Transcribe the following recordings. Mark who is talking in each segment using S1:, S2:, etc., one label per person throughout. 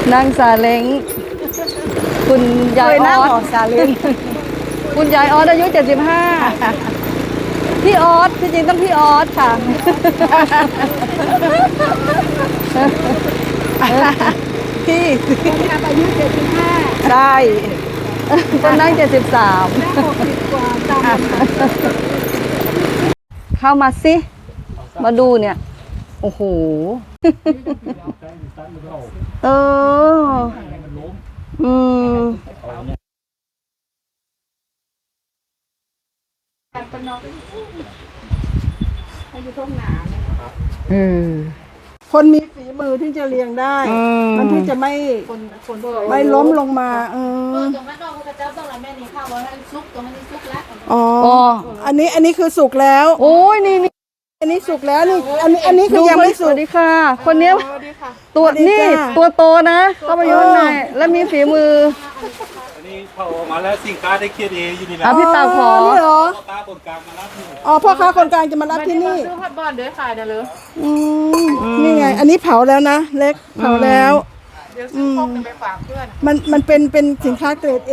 S1: นั่งซาเล้งคุณยายออส
S2: ซาเล้ง
S1: คุณยายออสอายุ75พี่ออสที่จริงต้องพี่ออสค่ะ
S2: พี่
S3: อายุ75
S2: ใช่
S1: คนนั่ง73
S3: 60กว่าตาม
S1: เข้ามาสิมาดูเนี่ยโอ้โหเอออืม
S2: คนมีฝีมือที่จะเลี้ยงได้มันที่จะไม่ล้มลงมา
S3: ตรงนั้นนอกพระเจ้าต้องอะไรแม่นี่ข้าวว่าให้ซุกตรงนี้ซุกแล้ว
S2: อ๋ออันนี้คือสุกแล้ว
S1: โอ้ยนี่
S2: อันนี้สุกแล้วนี่อันนี้คือยังไม่สุก
S1: สวัสดีค่ะคนนี้ตัวนี่ตัวโตนะเข้ามาอยู่ข้างในแล้วมีฝีมือ
S4: อันนี้เขาออกมาแล้วสินค้าได้เครียดเองอยู่นี่แหละ
S1: พี่ตาขอ
S2: นี่เหรอ
S4: ตาคนกลางมารับนี่
S2: อ๋อพ่อค้าคนกลางจะมารับที่นี่
S3: ซื้อผัดบอลเดี๋ยวขายนะเลย
S2: นี่ไงอันนี้เผาแล้วนะเล็กเผาแล้ว
S3: เดี๋ยวซื้อพกไปฝากเพื่อน
S2: มันเป็นสินค้าเกรด A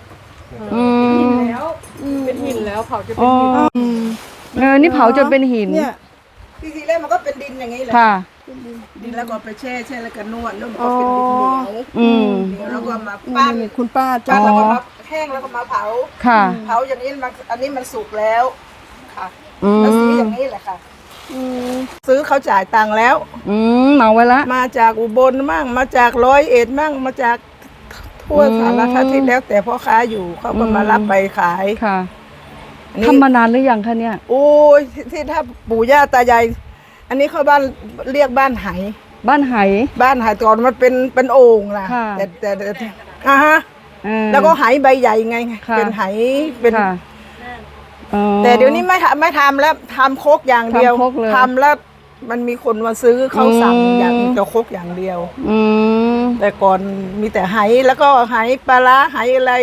S3: แล้วเป็นหินแล้วเผาจะเป็นหิน
S1: นี่เผาจนเป็นหิน
S2: เนี่ยทีแรกมันก็เป็นดินอย่างนี้แหละ
S1: ค่ะ
S2: ดินแล้วก็ไปแช่แล้วก็นวดมันก็เป็นดินเหนียวแล้วก็มาปั้นคุณป้าจ้าแล้วก็มาแห้งแล้วก็มาเผา
S1: ค่ะ
S2: เผาอย่างนี้อันนี้มันสุกแล้วค่ะแล้วซื้ออย่างนี้แหละค่ะซื้อเขาจ่ายตังค์แล้ว
S1: เหมาไว้ละ
S2: มาจากอุบลมั่งมาจาก101มั่งมาจากทั่วสารทิศแล้วแต่พ่อค้าอยู่เขาก็มารับไปขาย
S1: ค่ะทำมานานหรือยังคะเนี่ย
S2: โอ้ยที่ถ้าปู่ย่าตายายอันนี้เขาบ้านเรียกบ้านไห
S1: บ้านไห
S2: ก่อนมันเป็นโอ่งนะแต่ฮะแล้วก็ไหใบใหญ่ไงเป็นไหเป็นแต่เดี๋ยวนี้ไม่ทำแล้วทำโคกอย่างเดียวทำแล้วมันมีคนมาซื้อเขาสั่งอย่างจะโคกอย่างเดียวแต่ก่อนมีแต่ไหแล้วก็ไหปลาร้าไหอะไร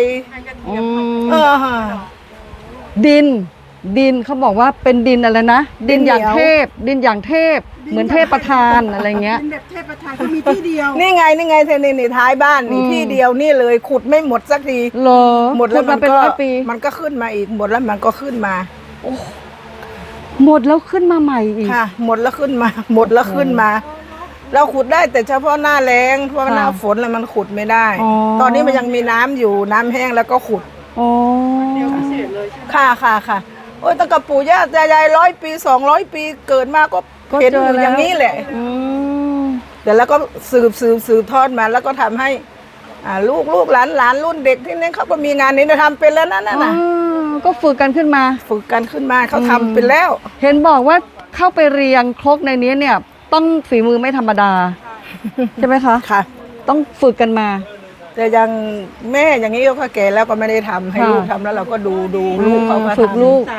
S1: ดินเขาบอกว่าเป็นดินอะไรนะดินอย่างเทพเหมือนเทพประธานอะไรเงี้ย
S2: ดินแบบเทพประธานก็มีที่เดียวนี่ไงเธอนี่ท้ายบ้านนี่ที่เดียวนี่เลยขุดไม่หมดสักทีหมดแล้วมันเป็น100 ปีมันก็ขึ้นมาอีกหมดแล้วมันก็ขึ้นมา
S1: หมดแล้วขึ้นมาใหม่อีก
S2: ค่ะหมดแล้วขึ้นมาเราขุดได้แต่เฉพาะหน้าแล้งเพราะหน้าฝนแล้วมันขุดไม่ได้ตอนนี้มันยังมีน้ำอยู่น้ำแห้งแล้วก็ขุด
S3: เดียวพิเศษเลยใช่ไหม
S2: ค่ะโอ้ยตั้งแต่ปู่ย่าตายาย100 ปี200 ปีเกิดมาก็เห็นอยู่อย่างนี้แหละแต่แล้วก็สืบทอดมาแล้วก็ทำให้ลูกหลานรุ่นเด็กที่นี่เขาก็มีงานนี้ทำเป็นแล้วนั่นน่ะ
S1: ก็ฝึกกันขึ้นมา
S2: เขาทำเป็นแล้ว
S1: เห็นบอกว่าเข้าไปเรียงครกในนี้เนี่ยต้องฝีมือไม่ธรรมดาใช่ไหมคะ
S2: ค่ะ
S1: ต้องฝึกกันมา
S2: แต่ยังแม่อย่างนี้ก็แก่แล้วก็ไม่ได้ทำให้ลูกทำแล้วเราก็ดูลูกเขาก็
S1: ฝึกลูก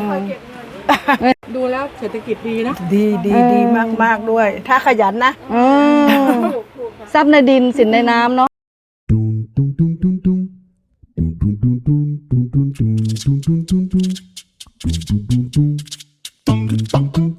S3: ดูแล้วเศรษฐกิจดีนะ
S2: ดีมากด้วยถ้าขยันนะ
S1: ทรัพย์ในดินสินในน้ำเนาะ